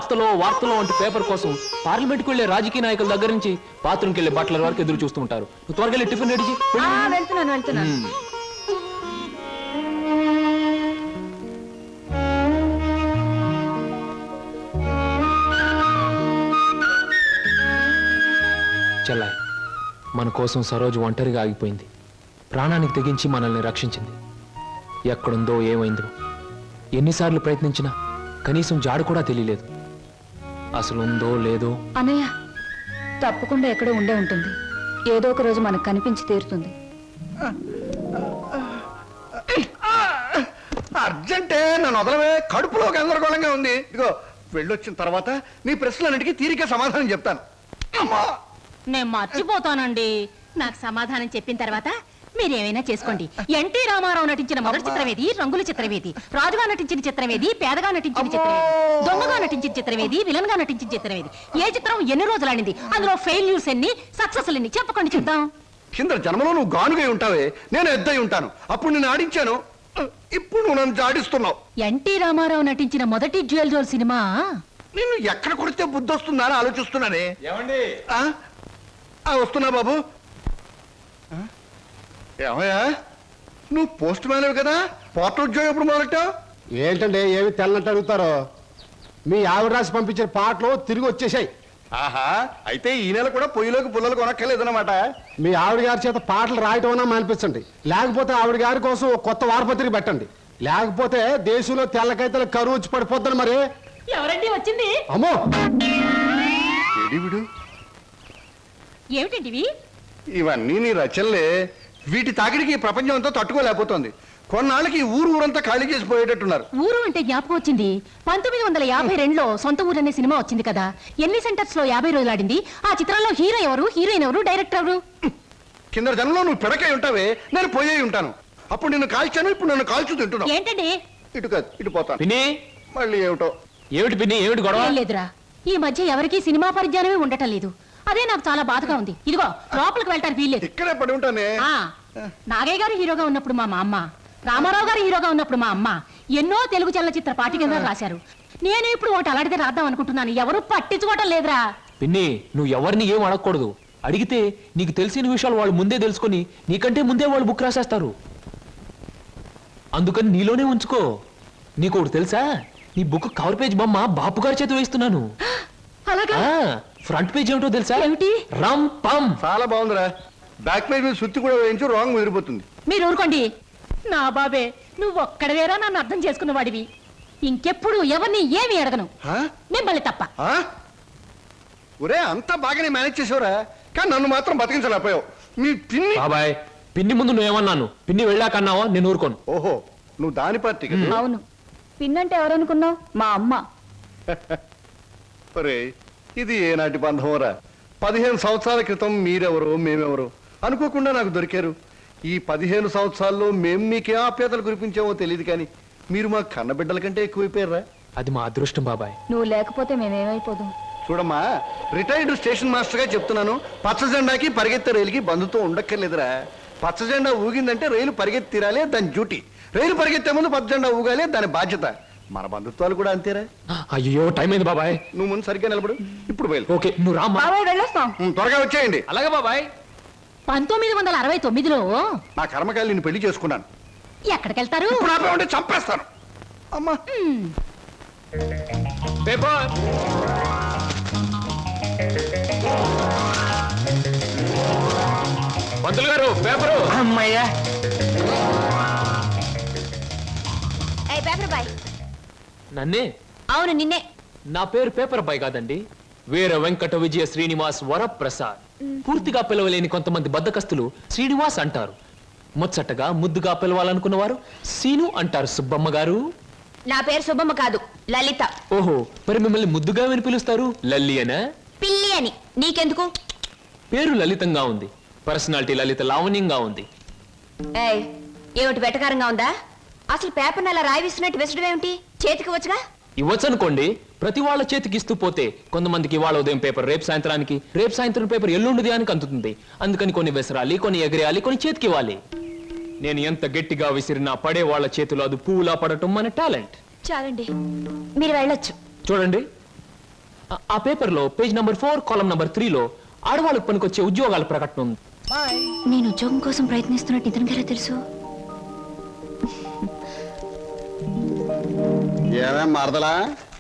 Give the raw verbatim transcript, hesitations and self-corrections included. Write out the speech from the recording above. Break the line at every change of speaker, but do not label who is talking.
వార్తలో వార్తలో వంటి పేపర్ కోసం పార్లమెంట్కి వెళ్లే రాజకీయ నాయకుల దగ్గర నుంచి బాత్రూమ్కి వెళ్లే బట్టల వరకు ఎదురు చూస్తూ ఉంటారు. నువ్వు త్వరగా వెళ్ళి టిఫిన్ రెడీ చేయి.
వెళ్తున్నాను వెళ్తున్నాను
చెల్లాయి, మన కోసం సరోజు ఒంటరిగా ఆగిపోయింది. ప్రాణానికి తెగించి మనల్ని రక్షించింది. ఎక్కడుందో ఏమైందో ఎన్నిసార్లు ప్రయత్నించినా కనీసం జాడు కూడా తెలియలేదు. అసలు ఉందో లేదో.
అన్నయ్య తప్పకుండా ఎక్కడో ఉండే ఉంటుంది. ఏదో ఒక రోజు మనకు కనిపించి తీరుతుంది.
అర్జెంటే నన్ను వదలవే, కడుపులో గందరగోళంగా ఉంది. ఇదిగో వెళ్ళొచ్చిన తర్వాత నీ ప్రశ్నలన్నిటికీ తీరిక సమాధానం చెప్తాను. అమ్మా
నేను మర్చిపోతానండి. నాకు సమాధానం చెప్పిన తర్వాత మీరేమైనా చేసుకోండి. ఎన్టీ రామారావు నటించిన మొదటి చిత్రమేది, రంగుల చిత్రమేది, రాజుగా నటించిన చిత్రమేది, పేదగా నటించిన చిత్రమేది, దొంగగా నటించిన చిత్రమేది, విలన్ గా నటించిన చిత్రమేది, ఏ చిత్రం ఎన్ని రోజులు ఆడింది, అందులో ఫెయిల్యూర్స్ ఎన్ని, సక్సెస్ ఎన్ని చెప్పకండి చూద్దాం.
కింద జన్మలో నువ్వు గానుగై ఉంటావే, నేను ఎద్దై ఉంటాను. అప్పుడు నేను ఆడించాను, ఇప్పుడు నువ్వు నన్ను జాడిస్తున్నావు.
ఎన్టీ రామారావు నటించిన మొదటి జ్యువెల్ జోల్ సినిమా
నిన్ను ఎక్కడ కొడితే బుద్ధి వస్తుందా అని ఆలోచిస్తున్నానే. వస్తున్నా బాబు. ఏమయ్యా, నువ్వు పోస్ట్ మ్యాన్ కదా, పోర్టల్ ఉద్యోగం ఎప్పుడు మొదలెట్టావు?
ఏంటండి ఏమి తెల్లంటే అడుగుతారో? మీ ఆవిడ రాసి పంపించిన పాటలు తిరిగి వచ్చేసాయి.
ఆహా, అయితే ఈ నెల కూడా పొయ్యిలోకి పుల్లలు కొనక్కర్లేదన్నమాట.
మీ ఆవిడ గారి చేత పాటలు రాయటం అన్నా మానిపించండి, లేకపోతే ఆవిడ గారి కోసం ఒక కొత్త వారపత్రిక పెట్టండి. లేకపోతే దేశంలో తెల్లకైతే కరువు వచ్చి పడిపోద్దని. మరి
ఎవరండి వచ్చింది?
అమ్మో,
ఏమిటండి
ఇవన్నీ నీ రచనలే. వీటి తాకిడికి ప్రపంచం అంతా తట్టుకోలేకపోతుంది. కొన్నాళ్ళకి ఊరు ఊరంతా ఖాళీ చేసి పోయేటట్టున్నారు.
ఊరు అంటే జ్ఞాపకం వచ్చింది. పంతొమ్మిది వందల యాభై రెండులో సొంత ఊరు అనే సినిమా వచ్చింది కదా, ఎన్ని సెంటర్స్ లో యాభై రోజులు ఆడింది. ఆ చిత్రంలో హీరో ఎవరు, హీరోయిన్ ఎవరు, డైరెక్టర్ ఎవరు?
కింద జనంలో నువ్వు పిడకై ఉంటావే, నేను పోయే ఉంటాను. అప్పుడు నిన్ను కాల్చాను, ఇప్పుడు నన్ను కాల్చు తింటున్నావు.
ఏంటండి?
ఇటు కాదు, ఇటు పోతాను.
పిన్ని,
మళ్ళీ ఏమిటో.
ఏమిటి పిన్ని, ఏమిటి గొడవ?
లేదురా, ఈ మధ్య ఎవరికి సినిమా పరిజ్ఞానమే ఉండటం లేదు. అదే నాకు చాలా బాధగా ఉంది. ఇదిగో లోపలికి వెళ్ళటానికి వీల్లేదు.
ఇక్కడే పడి ఉంటానే.
నాగయ్య గారు హీరోగా ఉన్నప్పుడు మా అమ్మ, రామారావు గారు హీరోగా ఉన్నప్పుడు మా అమ్మ ఎన్నో తెలుగు చలనచిత్ర పాఠ్యగ్రంథాలు రాశారు. నేను ఇప్పుడు ఒకటి అలాంటిదే రాద్దాం అనుకుంటున్నాను. ఎవరు పట్టించుకోవటం లేదురా.
పిన్ని, నువ్వు ఎవరిని ఏం అడగకూడదు. అడిగితే నీకు తెలిసిన విషయాలు వాళ్ళు ముందే తెలుసుకొని నీకంటే ముందే వాళ్ళు బుక్ రాసేస్తారు. అందుకని నీలోనే ఉంచుకో. నీకు ఒకటి తెలుసా, నీ బుక్ కవర్ పేజ్ బొమ్మ బాపు గారి చేత వేస్తున్నాను. ఫ్రంట్ పేజ్ ఏమిటో తెలుసా?
ఏమిటి?
రమ్ పమ్.
చాలా బాగుందిరా. బ్యాక్ పేజ్ మీద సుత్తి కూడా వేయించు, రాంగ్ ముదిరిపోతుంది.
మీరు ఊరుకోండి. నా బాబే, నువ్వు ఒక్కడవేరా నన్ను అర్థం చేసుకున్న వాడివి. ఇంకెప్పుడు ఎవరిని ఏమి అడగను, మిమ్మల్ని తప్ప.
ఒరే, అంతా బాగానే మేనేజ్ చేసావురా, కానీ నన్ను మాత్రం బతికించలేకపోయావు. మీ పిన్ని.
బాబాయ్, పిన్ని ముందు నువ్వేమన్నాను, పిన్ని వెళ్ళాకన్నావా? నేను ఊరుకోను.
ఓహో, నువ్వు దాని పార్టీ.
అవును, పిన్నంటే ఎవరనుకున్నావు? మా అమ్మ.
ఒరే, ఇది ఏనాటి బంధంరా? పదిహేను సంవత్సరాల క్రితం మీరెవరో మేమెవరో అనుకోకుండా నాకు దొరికారు. ఈ పదిహేను సంవత్సరాల్లో మేము మీకే ఆప్యాతలు కురిపించామో తెలియదు, కానీ మీరు మా కన్నబిడ్డల కంటే ఎక్కువైపోయారా?
అది మా అదృష్టం బాబాయ్.
నువ్వు లేకపోతే మేమేమైపోదు.
చూడమ్మా, రిటైర్డ్ స్టేషన్ మాస్టర్ గా చెప్తున్నాను, పచ్చ జెండాకి పరిగెత్తే రైలుకి బంధుతో ఉండక్కర్లేదురా. పచ్చ జెండా ఊగిందంటే రైలు పరిగెత్తి తీరాలి, దాని డ్యూటీ. రైలు పరిగెత్తే ముందు పచ్చ జెండా ఊగాలి, దాని బాధ్యత. మన బంధుత్వాలు కూడా అంతేరా.
అయ్యో, టైం అయింది బాబాయ్.
నువ్వు ముందు సరిగ్గా నిలబడు, ఇప్పుడు బయలు.
ఓకే, నువ్వు రామ్మా.
బాబాయ్ వెళ్ళొస్తాం.
త్వరగా వచ్చేయండి.
అలాగే బాబాయ్.
పంతొమ్మిది వందల అరవై తొమ్మిదిలో
నా కర్మకాయలు నేను పెళ్లి చేసుకున్నాను.
ఎక్కడికెళ్తారు?
ఇప్పుడు ఆపే ఉంటే చంపేస్తాను. అమ్మా,
పేపర్. పంతులు గారు, పేపరు.
అమ్మయ్యా.
నన్నే?
అవును, నిన్నే.
నా పేరు పేపర్ బాయ్ కాదండి, వీర వెంకట విజయ శ్రీనివాస్ వరప్రసాద్. పూర్తిగా పిలవలేని కొంతమంది బద్దకస్తులు శ్రీనివాస్ అంటారు. ముచ్చటగా ముద్దుగా పిలవాలనుకున్న వారు సీను అంటారు. సుబ్బమ్మ గారు.
నా పేరు సుబ్బమ్మ కాదు, లలిత.
ఓహో, మరి మిమ్మల్ని ముద్దుగా విని పిలుస్తారు లల్లి అనా?
పిల్లి అని. నీకెందుకు?
పేరు లలితంగా ఉంది, పర్సనాలిటీ లలిత లావణ్యంగా ఉంది.
ఏమిటి వెటకారంగా ఉందా? అసలు పేపర్ అలా రాయిస్తున్నట్టు విసడం ఏమిటి? చేతికి వచ్చుగా.
ఇవ్వచ్చు అనుకోండి, ప్రతి వాళ్ళ చేతికి ఇస్తూ పోతే కొంతమందికి ఇవాళ ఉదయం పేపర్ రేపు సాయంత్రానికి, రేపు సాయంత్రం పేపర్ ఎల్లుండి దానికి అందుతుంది. అందుకని కొన్ని విసరాలి, కొన్ని ఎగరేయాలి, కొన్ని చేతికి ఇవ్వాలి. నేను ఎంత గట్టిగా విసిరినా పడే వాళ్ళ చేతిలో అది పువ్వులా పడటం మన టాలెంట్.
చాలండి, మీరు వెళ్ళొచ్చు.
చూడండి, ఆ- ఆ పేపర్లో పేజ్ నంబర్ ఫోర్ కాలం నంబర్ త్రీలో ఆడవాళ్ళకు పనికొచ్చే ఉద్యోగాల ప్రకటన ఉంది.
నేను ఉద్యోగం కోసం ప్రయత్నిస్తున్నట్టు ఇతనికి ఎలా తెలుసు?
ఏమేం మరదలా